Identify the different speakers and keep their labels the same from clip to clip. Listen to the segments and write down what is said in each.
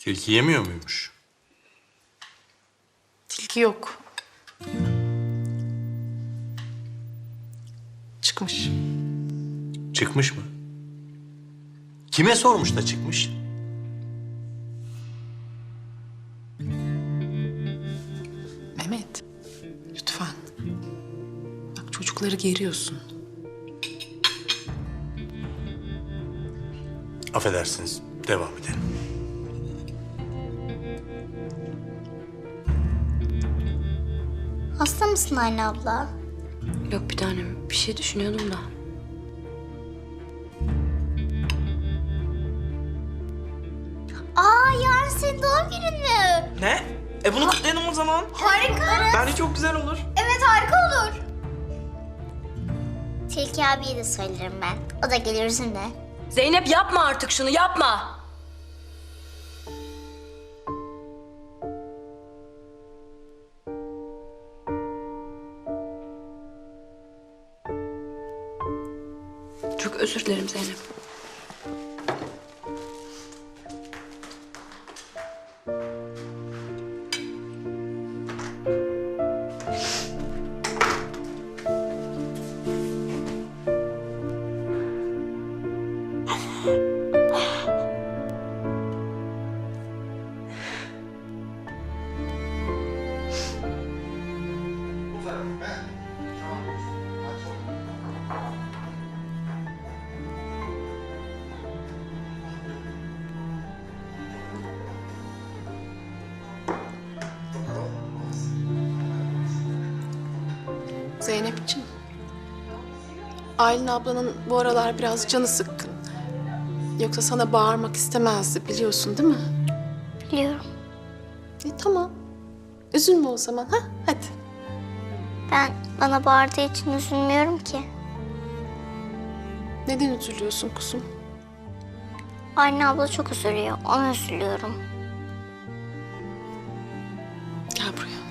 Speaker 1: Tilki yemiyor muymuş?
Speaker 2: Tilki yok. Çıkmış.
Speaker 1: Çıkmış mı? Kime sormuş da çıkmış?
Speaker 2: Mehmet, lütfen. Bak çocukları geriyorsun.
Speaker 1: Affedersiniz, devam edelim.
Speaker 3: Hasta mısın anne abla?
Speaker 4: Yok bir tanem. Bir şey düşünüyordum da.
Speaker 3: Yarın senin doğum günün mü?
Speaker 5: Ne? Bunu kutlayalım o zaman.
Speaker 3: Harika.
Speaker 5: Bence çok güzel olur.
Speaker 3: Evet, harika olur. Tilki abiye de söylerim ben. O da gelir bizimle.
Speaker 4: Zeynep yapma artık şunu yapma. Çok özür dilerim Zeynep.
Speaker 2: Zeynep'ciğim. Aylin ablanın bu aralar biraz canı sıkkın. Yoksa sana bağırmak istemezdi biliyorsun değil mi?
Speaker 3: Biliyorum.
Speaker 2: Tamam. Üzülme o zaman ha? Hadi.
Speaker 3: Ben bana bağırdığı için üzülmüyorum ki.
Speaker 2: Neden üzülüyorsun kuzum?
Speaker 3: Anne abla çok üzülüyor. Ona üzülüyorum.
Speaker 2: Gel buraya.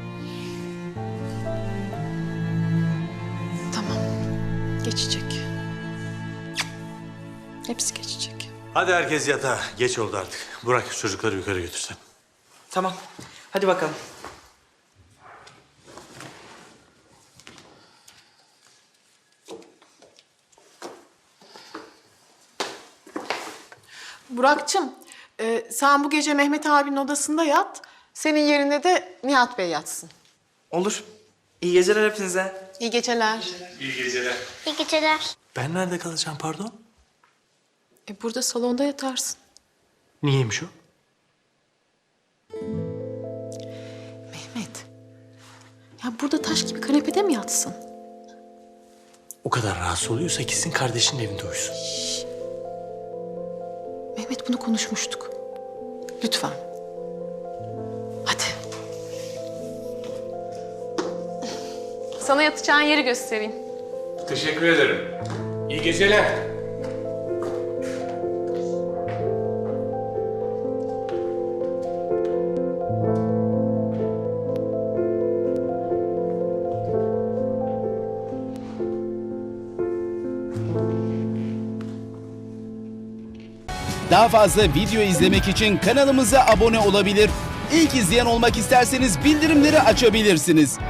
Speaker 2: Tamam. Geçecek. Hepsi geçecek.
Speaker 1: Hadi herkes yatağa. Geç oldu artık. Burak çocukları yukarı götürsen.
Speaker 5: Tamam. Hadi bakalım.
Speaker 2: Burak'cığım, sen bu gece Mehmet abinin odasında yat. Senin yerine de Nihat Bey yatsın.
Speaker 5: Olur. İyi geceler hepinize.
Speaker 2: İyi geceler.
Speaker 1: İyi geceler.
Speaker 3: İyi geceler.
Speaker 1: Ben nerede kalacağım pardon?
Speaker 2: Burada salonda yatarsın.
Speaker 1: Niyeymiş o?
Speaker 2: Mehmet, ya burada taş gibi kanepede mi yatsın?
Speaker 1: O kadar rahatsız oluyorsa gitsin kardeşinin evinde uyusun.
Speaker 2: Mehmet bunu konuşmuştuk. Lütfen. Hadi. Sana yatacağın yeri göstereyim.
Speaker 6: Teşekkür ederim. İyi geceler.
Speaker 7: Daha fazla video izlemek için kanalımıza abone olabilir. İlk izleyen olmak isterseniz bildirimleri açabilirsiniz.